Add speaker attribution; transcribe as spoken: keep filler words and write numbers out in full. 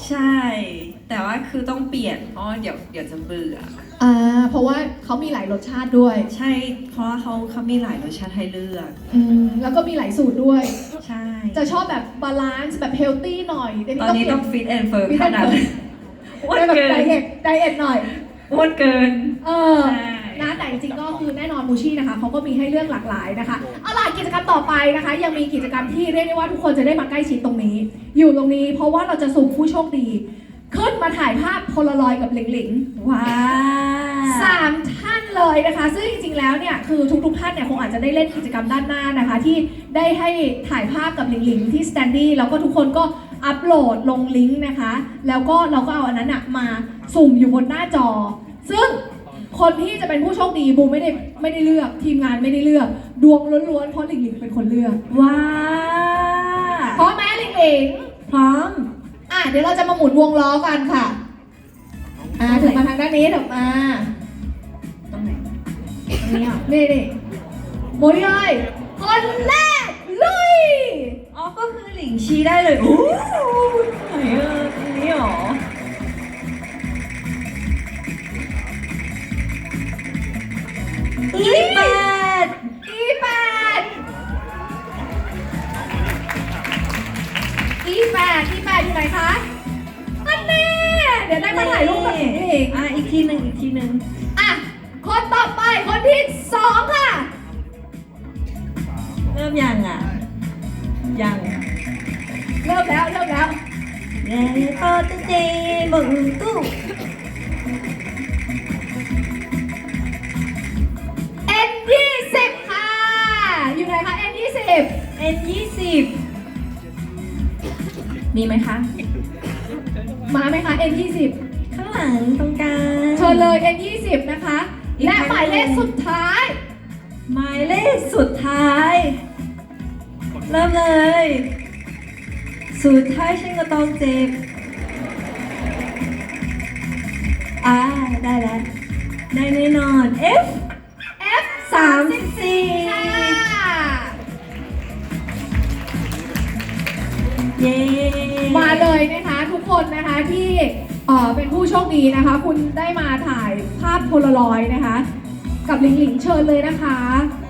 Speaker 1: ใช่ แต่ว่าคือต้องเปลี่ยนเพราะเดี๋ยวเดี๋ยวจะเบื่อ
Speaker 2: อ่าเพราะว่าเขามีหลายรสชาติด้วย
Speaker 1: ใช่เพราะว่าเขาเขามีหลายรสชาติให้เลือก
Speaker 2: อืมแล้วก็มีหลายสูตรด้วย
Speaker 1: ใช่
Speaker 2: จะชอบแบบบาลานซ์แบบเฮลตี้หน่อย
Speaker 1: ตอนนี้ต้องฟิตแอนด์เฟิร์ม
Speaker 2: ฟิต
Speaker 1: เท่านั้น อ้วน
Speaker 2: ได้แบบ
Speaker 1: เกิ
Speaker 2: ได
Speaker 1: น
Speaker 2: เอทไดเอทหน่อย
Speaker 1: อ้วนเกิน
Speaker 2: เออ
Speaker 1: ใช่
Speaker 2: นะแต่จริงๆก็คือแน่นอนมูชี่นะคะเขาก็มีให้เลือกหลากหลายนะคะเอาล่ะกิจกรรมต่อไปนะคะ ยังมีกิจกรรมที่เรียกได้ว่าทุกคนจะได้มาใกล้ชิดตรงนี้ อยู่ตรงนี้เพราะว่าเราจะสุ่มผู้โชคดี ขึ้นมาถ่ายภาพโพลารอยด์กับหลิงหลิง
Speaker 1: ว้า
Speaker 2: สามท่านเลยนะคะ ซึ่งจริงๆแล้วเนี่ยคือทุกๆท่านเนี่ยคงอาจจะได้เล่นกิจกรรมด้านหน้านะคะ ที่ได้ให้ถ่ายภาพกับหลิงหลิงที่สแตนดี้แล้วก็ทุกคนก็อัปโหลดลงลิงก์นะคะ แล้วก็เราก็เอาอันนั้นอะมาสุ่มอยู่บนหน้าจอ ซึ่งคนที่จะเป็นผู้โชคดีบูมไม่ได้ไม่ได้เลือกทีมงานไม่ได้เลือกดวงล้วนๆเพราะหลิงหลิงเป็นคนเลือก
Speaker 1: ว้า
Speaker 2: พร้อมไหมหลิงหลิง
Speaker 1: พร้อม
Speaker 2: อ่ะเดี๋ยวเราจะมาหมุนวงล้อกันค่ะอ่ะถึงมาทางด้านนี้ถึงมา
Speaker 1: ตรงไหนตรงนี้เหรอ
Speaker 2: นี่นี่หมุนเลยคนแรกลุย
Speaker 1: อ๋อก็คือหลิงชี้ได้เลยโอ้ไหนเออตรงนี้เหรออีแปด
Speaker 2: อีแปดอีแปดอีแปดอยู่ไหนคะอันนี้เดี๋ยวได้มาถ่ายรูปกับหลิงหลิง
Speaker 1: อ่ะอีกทีหนึ่งอีกทีหนึ่ง
Speaker 2: อ่ะคนต่อไปคนที่สองค่ะ
Speaker 1: เริ่มยังอ่ะ ยัง
Speaker 2: เริ่มแล้วเริ่มแล้ว
Speaker 1: เย้พอจะเจบึงตู้
Speaker 2: เอ็นยี่สิบค่ะ อยู่ไหนคะเอ็นยี่สิบ
Speaker 1: เอ็นยี่สิบมีไหมคะ
Speaker 2: มาไหมคะเอ็นยี่สิบ
Speaker 1: ข้างหลังตรงกลาง
Speaker 2: เชิญเลย เอ็นยี่สิบ นะคะ
Speaker 1: อีก
Speaker 2: และ
Speaker 1: ครั้ง
Speaker 2: หมายเลขสุดท้าย
Speaker 1: หมายเลขสุดท้าย เริ่มเลย สุดท้ายฉันก็ต้องเจ็บ อ่า ได้แล้ว ได้แน่นอน F
Speaker 2: F
Speaker 1: สามสิบสี่
Speaker 2: ค่ะ
Speaker 1: เย้
Speaker 2: มาเลยนะคะทุกคนนะคะที่เอ่อเป็นผู้โชคดีนะคะ คุณได้มาถ่ายภาพโพลารอยด์นะคะ กับหลิงหลิงเชิญเลยนะคะ